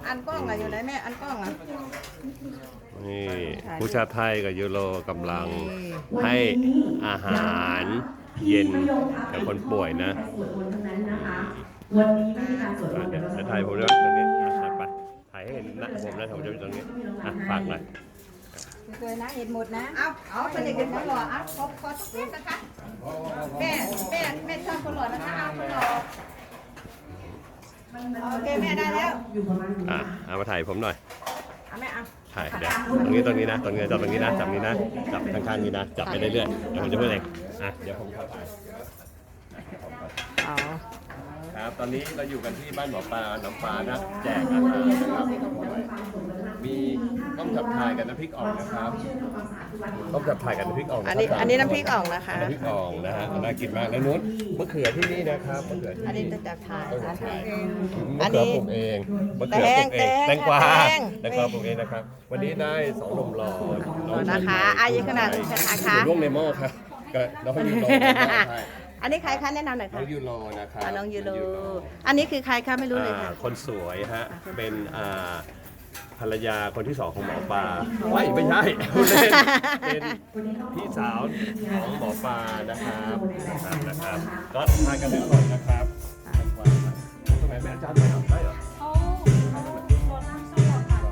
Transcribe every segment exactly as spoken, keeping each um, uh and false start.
อันกล้องอะอยู่ไหนแม่อันกล้องอะนี่ผู้ชาติไทยกับยูโรกำลังให้อาหารเย็นกับคนป่วยนะวันนี้ไม่มีการสวดมนต์เดี๋ยวแต่ถ่ายผมด้วยตรงนี้อ่ะไปถ่ายให้เห็นหน้าผมนะผมจะอยู่ตรงนี้อ่ะฝากหน่อยสวยนะเห็นหมดนะเอาเอาเป็นเด็กเป็นคนหล่อเอาขอขอสักนิดนะคะแม่แม่แม่ชอบคนหล่อนะคะเอาคนหล่อโอเคแม่ได้แล้วอยู่ประมาณนี้อ่ะเอามาถ่ายผมหน่อยเอาแม่เอาถ่ายเดี๋ยวตรงนี้ตรงนี้นะตรงนี้จับตรงนี้นะจับนี้นะจับข้างๆนี้นะจับไปเรื่อยๆเดี๋ยวผมจะพูดเองอ่ะเดี๋ยวผมขอถ่ายอ๋อครับตอนนี้เราอยู่กันที่บ้านหมอปลาน้ำปลานะแจกอาหารนะครับมีต้มจับถ่ายกับน้ำพริกอ่องนะครับต้มจับถ่ายกับน้ำพริกอ่องะครับอันนี้อันนี้น้ำพริกอ่องนะคะน้ำพริกอ่องนะฮะน่ากินมากแล้วนู้นมะเขือที่นี่นะครับมะเขือที่อันนี้นี่จะจับถ่ายต้มจับถ่ายอัมะนนี้เขือปลูกเองมะเขือปลูกเองแตงแตงกวาแตงแตงกวาปลูกเองนะครับ วันนี้ได้สองหนุ่มหล่อน้องชายนะคะอายุขนาดนี้นะคะอยู่ร่วงในหม้อครับก็น้องยูโรใช่อันนี้ใครคะแนะนำหน่อยน้ค่ะองยูโรนะครับอ่าน้องยูโรอันนี้คือใครคะไม่รู้เลยอ่าค่ะคนสวยฮะ เป็นอ่าภรรยาคนที่สองของหมอปลาไม่ไม่ใช่พูดเล่นเป็นพี่สาวของหมอปลานะครับนะครับนะครับ ก็ทานกันทุกคนนะครับทำไมแม่อาจารย์ไม่ทำได้เหรอเขาเขาโดนน้ำสลัดค่ะ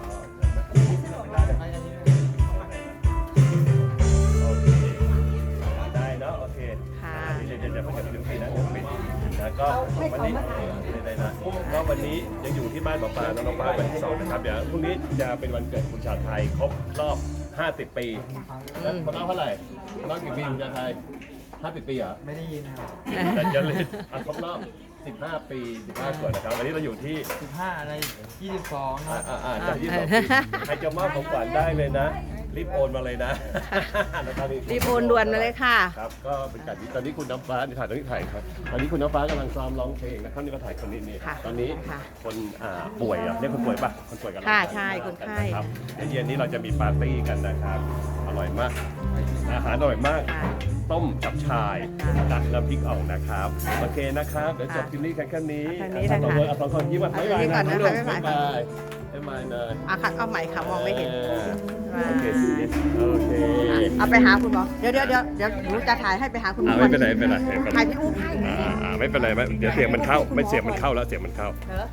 โอเคได้เนาะโอเคค่ะเดี๋ยวเดี๋ยวเดี๋ยวเพิ่งจะไปดูทีนะเดี๋ยวปิดนะก็วันนี้ได้นะก็วันนี้ยังอยู่ที่บ้านหมอปลาน้องปลาวันที่สองนะครับเดี๋ยวพรุ่งนี้จะเป็นวันเกิดคุณชาติไทยครบรอบห้าสิบปีแล้วคนน้องเท่าไหร่คนน้องกี่ปีคุณชาติไทยห้าสิบปีเหรอไม่ได้ยินครับแต่จะเลยอ่ะครบรอบสิบห้าปีสิบห้าส่วนนะครับวันนี้เราอยู่ที่สิบห้าอะไรยี่สิบสองคอ่ารับอ่าอ่าจากยี่สิบสองปีใครจะมอบของขวัญได้เลยนะ รีบโอนมาเลยนะนะครับรีบโอนด่วนมาเลยค่ะครับก็เป็นการที่ตอนนี้คุณน้ำฟ้าถ่ายตอนนี้ถ่ายครับตอนนี้คุณน้ำฟ้ากำลังซ้อมร้องเพลงนะครับนี่ก็ถ่ายคนนี้นี่ค่ะตอนนี้ค่ะคนอ่าป่วยอ่ะเรียกคนป่วยป่ะคนป่วยกันค่ะใช่คนไข้ครับเดี๋ยวเย็นนี้เราจะมีปาร์ตี้กันนะครับอร่อยมาก อาหารอร่อยมากค่ะต้มจับชายค่ะตักน้ำพริกอ่องนะครับโอเคนะครับเดี๋ยวจบคลิปนี้กันแค่นี้แค่นี้อ่ะนะคะสองคนเอาสองคนยิ้มหวานเอาบ๊ายบายยิ้มก่อนนะคะบ๊ายบ๊ายบาบายยบ๊ายบายเนยอ่ะค่ะเอาใหม่ค่ะมองไม่เห็นออโอเคโอเคเอาไปหาคุณหมอเดี๋ยวเดี๋ยวเดี๋ยวเดี๋ยวหนูจะถ่ายให้ไปหาคุณหมออ่าไม่เป็นไรไม่เป็นไรไม่เป็นไรถ่ายพี่อุ๊บให้อ่าอ่าไม่เป็นไรไม่เดี๋ยวเสียงมันเข้าไม่เสียงมันเข้าแล้วเสียงมันเข้าเหรอ